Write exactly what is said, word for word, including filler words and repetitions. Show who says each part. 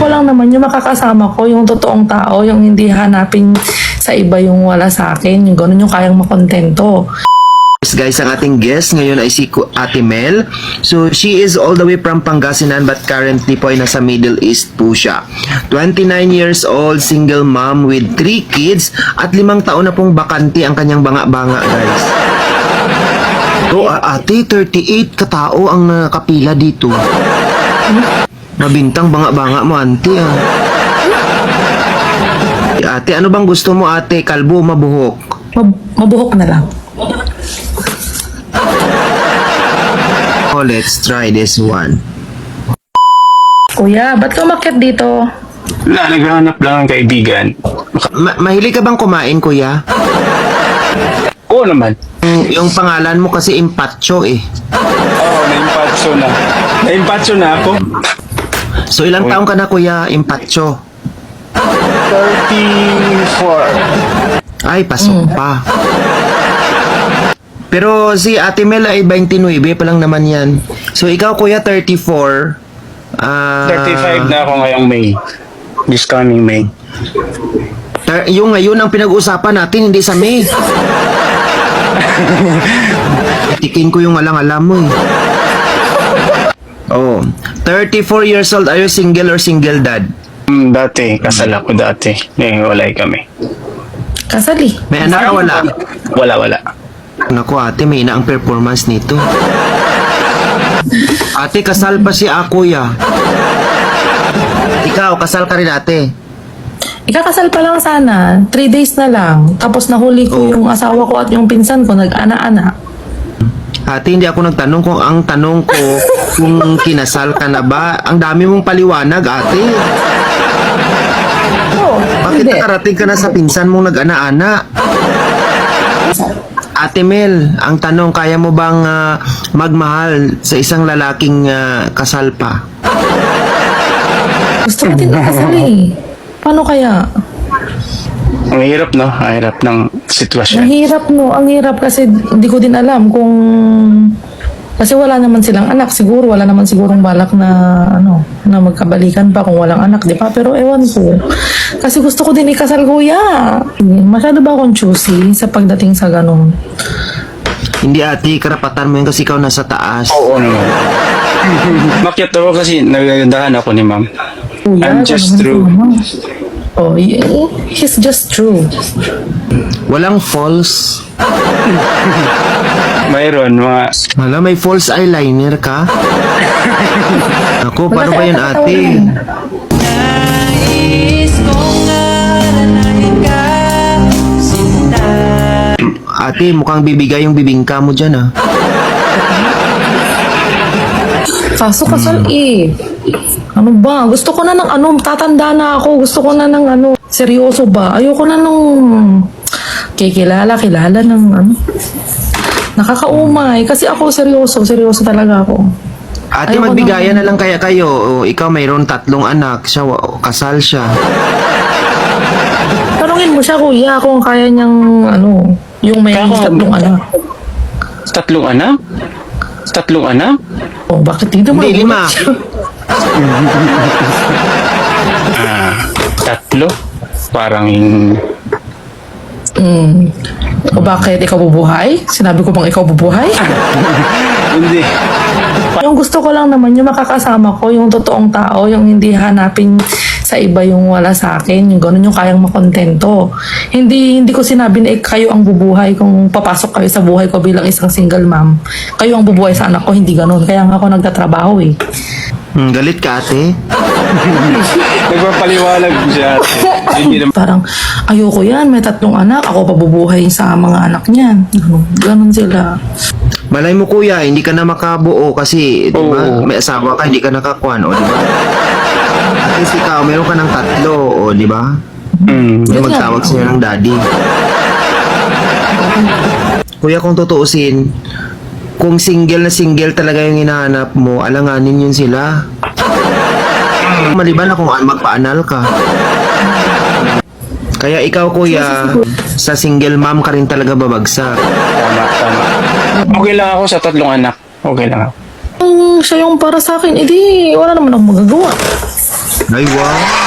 Speaker 1: ko lang naman yung makakasama ko, yung totoong tao, yung hindi hanapin sa iba yung wala sa akin, yung gano'n yung kayang makontento.
Speaker 2: Guys, ang ating guest ngayon ay si Ate Mel. So, she is all the way from Pangasinan but currently po ay nasa Middle East po siya. twenty-nine years old, single mom with three kids at limang taon na pong bakante ang kanyang banga-banga, guys. So, uh, ate, thirty-eight katao ang nakapila dito. Mabintang banga-banga mo, ante, ah. Ate, ano bang gusto mo, ate? Kalbo o mabuhok?
Speaker 1: Mab- mabuhok na lang.
Speaker 2: Oh, let's try this one.
Speaker 1: Kuya, ba't ka umakyat dito?
Speaker 3: Wala, naghahanap lang ng kaibigan.
Speaker 2: Ma- mahilig ka bang kumain, kuya?
Speaker 3: Oo naman.
Speaker 2: Yung, yung pangalan mo kasi Impacho eh.
Speaker 3: Oo, na-impatso na. Na-impatso na ako.
Speaker 2: So ilang taong ka na, kuya, Impacho?
Speaker 3: thirty-four.
Speaker 2: Ay, pasok pa. Pero si Ate Mel ay twenty-nine pa lang naman yan. So ikaw, kuya, thirty-four. Ah,
Speaker 3: thirty-five na ako ngayong May. This coming May.
Speaker 2: ter- yung ngayon ang pinag-uusapan natin, hindi sa May. Tikin ko yung alang-alam mo eh. Oh, thirty-four years old. Are you single or single dad?
Speaker 3: Hmm, dati, kasal ako dati. Ngayon, walay kami.
Speaker 1: Kasali.
Speaker 2: May anak ka, wala?
Speaker 3: Wala, wala.
Speaker 2: Naku, ate, may ina ang performance nito. Ate, kasal pa si a, kuya. Ikaw, kasal ka rin, ate.
Speaker 1: Ikakasal pa lang sana. Three days na lang. Tapos nahuli ko
Speaker 2: Oh.
Speaker 1: yung asawa ko at yung pinsan ko, nag-ana-ana.
Speaker 2: Ate, hindi ako nagtanong kung ang tanong ko kung kinasal ka na ba. Ang dami mong paliwanag, ate.
Speaker 1: Oo,
Speaker 2: Bakit
Speaker 1: hindi.
Speaker 2: nakarating ka na sa pinsan mong nag-ana-ana? Ate Mel, ang tanong, kaya mo bang ah, magmahal sa isang lalaking ah, kasal pa?
Speaker 1: Gusto ko din ikasal eh. Paano kaya?
Speaker 3: Ang hirap, no? Ang hirap ng sitwasyon.
Speaker 1: Mahirap no. Ang hirap kasi hindi ko din alam kung... Kasi wala naman silang anak. Siguro wala naman sigurong balak na ano na magkabalikan pa kung walang anak, di ba? Pero ewan ko. Kasi gusto ko din ikasal, kuya. Masyado ba akong choosy sa pagdating sa ganun?
Speaker 2: Hindi, ate, karapatan mo yun kasi ikaw nasa taas.
Speaker 3: Oo naman. Makyat ako kasi nagagandahan ako ni ma'am.
Speaker 1: Kuya,
Speaker 3: I'm just
Speaker 1: ano
Speaker 3: true.
Speaker 1: naman? Oh, y- he's just true.
Speaker 2: Walang false.
Speaker 3: Mayroon, mga...
Speaker 2: Hala, may false eyeliner ka? Ako, paano ba yun, ate? Ate, mukhang bibigay yung bibingka mo dyan, ah.
Speaker 1: Kaso kasal eh. Ano ba? Gusto ko na ng ano, tatanda na ako. Gusto ko na ng ano, seryoso ba? Ayoko na nung kikilala, kilala ng ano. Nakakaumay. Kasi ako seryoso, seryoso talaga ako.
Speaker 2: Ate,
Speaker 1: Ayoko
Speaker 2: magbigayan
Speaker 1: na-
Speaker 2: na lang kaya kayo. O, ikaw mayroon tatlong anak. Siya, wa- kasal siya.
Speaker 1: Tanungin mo siya, kuya, kung kaya niyang ano, yung may
Speaker 3: Kaya ko-
Speaker 1: tatlong anak.
Speaker 3: Tatlong anak? Tatlong anak?
Speaker 1: Oh, bakit dito mo?
Speaker 2: Hindi, lima.
Speaker 3: Ah, tatlo? Parang...
Speaker 1: Hmm. O bakit ikaw bubuhay? Sinabi ko bang ikaw bubuhay?
Speaker 3: Hindi.
Speaker 1: Yung gusto ko lang naman yung makakasama ko, yung totoong tao, yung hindi hanapin sa iba yung wala sa akin, yung gano'n yung kayang makontento. Hindi hindi ko sinabi na eh, kayo ang bubuhay kung papasok kayo sa buhay ko bilang isang single mom. Kayo ang bubuhay sa anak ko, hindi gano'n. Kaya nga ako nagtatrabaho eh.
Speaker 2: Hmm, galit ka, ate?
Speaker 3: Nagpapaliwalag siya. Hindi naman.
Speaker 1: Parang, ayoko yan, may tatlong anak, ako pabubuhay sa mga anak niyan. Ganun, ganun sila.
Speaker 2: Malay mo, kuya, hindi ka na makabuo kasi, di ba,
Speaker 3: Oo.
Speaker 2: may asawa ka, hindi ka nakakuan, o, di ba? At least ikaw, meron ka ng tatlo, o, di ba?
Speaker 3: Hmm.
Speaker 2: Yung
Speaker 1: Yun
Speaker 2: magtawag
Speaker 1: lang.
Speaker 2: sa'yo ng daddy. Kuya, kung tutuusin, kung single na single talaga yung hinahanap mo, alanganin yun sila. Maliban na kung magpa-anal ka. Kaya ikaw, kuya, sa single mom ka rin talaga babagsak.
Speaker 3: Tama, tama. Okay lang ako sa tatlong anak. Okay lang ako.
Speaker 1: Kung siya yung para sa akin, edi wala naman akong magagawa.
Speaker 2: Ay, wow.